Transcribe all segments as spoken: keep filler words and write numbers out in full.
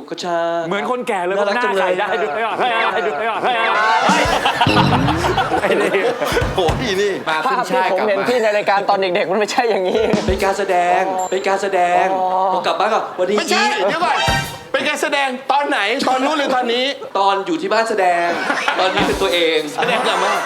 กระชาเหมือนคนแก่เลยหน้าใส่ได้ด้วยอ่ะให้ดูด้วยอ่ะไอ้นี่โอ้พี่นี่มาขึ้นชาติกลับมาผมเห็นพี่ในรายการตอนเด็กๆมันไม่ใช่อย่างนี้เป็นการแสดงเป็นการแสดงพอกลับบ้านก็วันนี้ไม่ใช่เดี๋ยวก่อนเป็นการแสดงตอนไหนตอนนู้นหรือตอนนี้ตอนอยู่ที่บ้านแสดงตอนนี้เป็นตัวเองแสดงกลับมา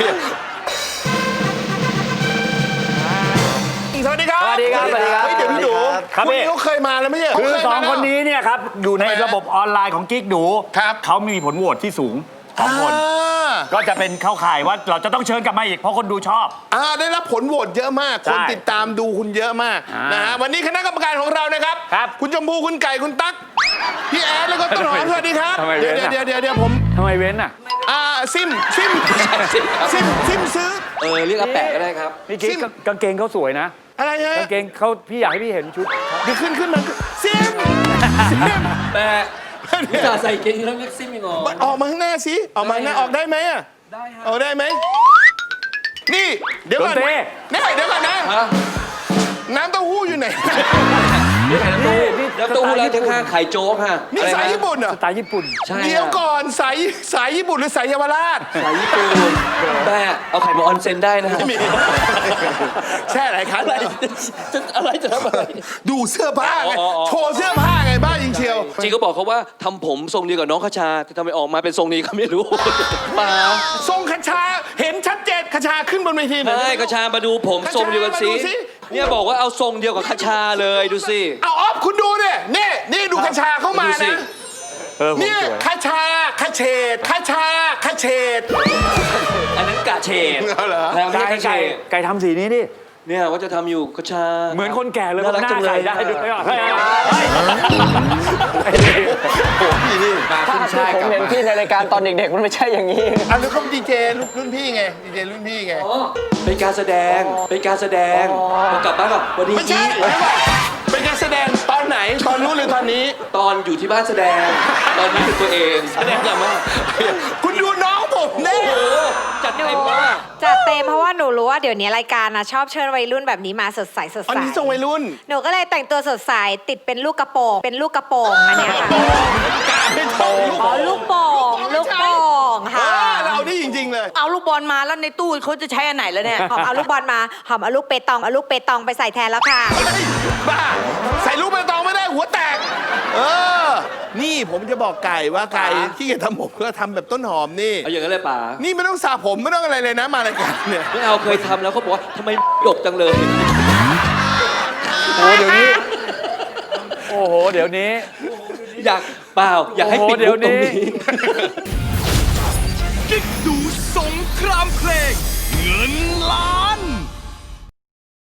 สวัสดีครับสวัสดีครับสวัสดีครับเฮ้ยเดี๋ยวพี่ดูคุณนี่เขาเคยมาแล้วไม่ใช่คือสองคนนี้เนี่ยครับอยู่ในระบบออนไลน์ของกิ๊กดูครับเขามีผลโหวตที่สูงสองคนก็จะเป็นเข้าข่ายว่าเราจะต้องเชิญกลับมาอีกเพราะคนดูชอบอ่าได้รับผลโหวตเยอะมากคนติดตามดูคุณเยอะมากนะฮะวันนี้คณะกรรมการของเรานะครับคุณชมพูคุณไก่คุณตั๊กพี่แอดแล้วก็ต้นหอมสวัสดีครับเดี๋ยวเดี๋ยวเดี๋ยวเดี๋ยวผมทำไมเว้นอ่ะอ่าซิมซิมซิมซิมซื้อเออเรียกอาแปะก็ได้ครับพี่กิ๊กกางเกงเขาสวยนะอะไรฮะกางเกงเขาพี่อยากให้พี่เห็นชุดเดี๋ยวขึ้นขึ้นมาซิมซิมแปะพี่ตาใส่เกงแล้วเล็กซิมอีกเหรอออกมาข้างหน้าสิออกมาข้างหน้าออกได้ไหมอ่ะได้ฮะออกได้ไหมนี่เดี๋ยวก่อนนี่เดี๋ยวก่อนนะน้ำเต้าหู้อยู่ไหนนี่น้ำเต้าหู้น้ำเต้าหู้แล้วข้างๆไข่โจ๊กฮะนี่สายญี่ปุ่นเหรอสไตล์ญี่ปุ่นใช่เดี๋ยวก่อนสายสายญี่ปุ่นหรือสายเยาวราชสายญี่ปุ่นแม่เอาไข่มาออนเซนได้นะไม่มีแช่หลายครั้งอะไรจะอะไรจะทำอะไรดูเสื้อผ้าไงโชว์เสื้อผ้าไงบ้าจริงเชียวจริงก็บอกเขาว่าทำผมทรงเดียวกับน้องคชาแต่ทำไมออกมาเป็นทรงนี้ก็ไม่รู้มาทรงคชาเห็นชัดเจนคชาขึ้นบนเวทีใช่คชามาดูผมทรงเดียวกันสิเนี่ยบอกว่าเอาทรงเดียวกับคชาเลยดูสิเอาออฟคุณดูเนี่ยนี่นี่ดูคชาเข้ามานะเนี่ยคชาคเฉดคชาคเฉดอันนั้นกะเฉดไก่ไก่ไก่ทำสีนี้ดิเนี่ยว่าจะทำอยู่คชาเหมือนคนแก่เลยหน้าใส่ได้ด้วยอ่ะโอ้พี่นี่มาขึ้นชาติกลับมาผมเห็นพี่ในรายการตอนเด็กๆมันไม่ใช่อย่างนี้อันนี้เขาดีเจรุ่นพี่ไงดีเจรุ่นพี่ไงเป็นการแสดงเป็นการแสดงพอกลับบ้านก็วันนี้ไม่ใช่เป็นการแสดงตอนไหนตอนนู้นหรือตอนนี้ตอนอยู่ที่บ้านแสดงตอนนี้เป็นตัวเองแสดงกลับมาคุณดูน้องผมเนี่ยจัดเต็มมากจัดเต็มเพราะว่าหนูรู้ว่าเดี๋ยวนี้รายการนะชอบเชิญวัยรุ่นแบบนี้มาสดใสสดใสอันนี้ทรงวัยรุ่นหนูก็เลยแต่งตัวสดใสติดเป็นลูกกระโปรงเป็นลูกกระโปรงอันนี้ค่ะอ๋อลูกโป่งลูกโป่งค่ะเรานี่จริงๆเลยเอาลูกบอลมาแล้วในตู้เขาจะใช้อันไหนแล้วเนี่ยหอมเอาลูกบอลมาหอมเอาลูกเปตองเอาลูกเปตองไปใส่แทนแล้วค่ะบ้าใส่ลูกเปตองไม่ได้หัวแตกเออนี่ผมจะบอกไก่ว่าไก่ที่จะทำผมก็ทำแบบต้นหอมนี่เอาอย่างนั้นเลยป๋านี่ไม่ต้องสระผมไม่ต้องอะไรเลยนะมารายการเนี่ยไม่เอาเคยทำแล้วเขาบอกว่าทำไมหยกจังเลยโอ้เดี๋ยวนี้โอ้โหเดี๋ยวนี้อยากเปล่าอยากให้ปิดมุกตรงนี้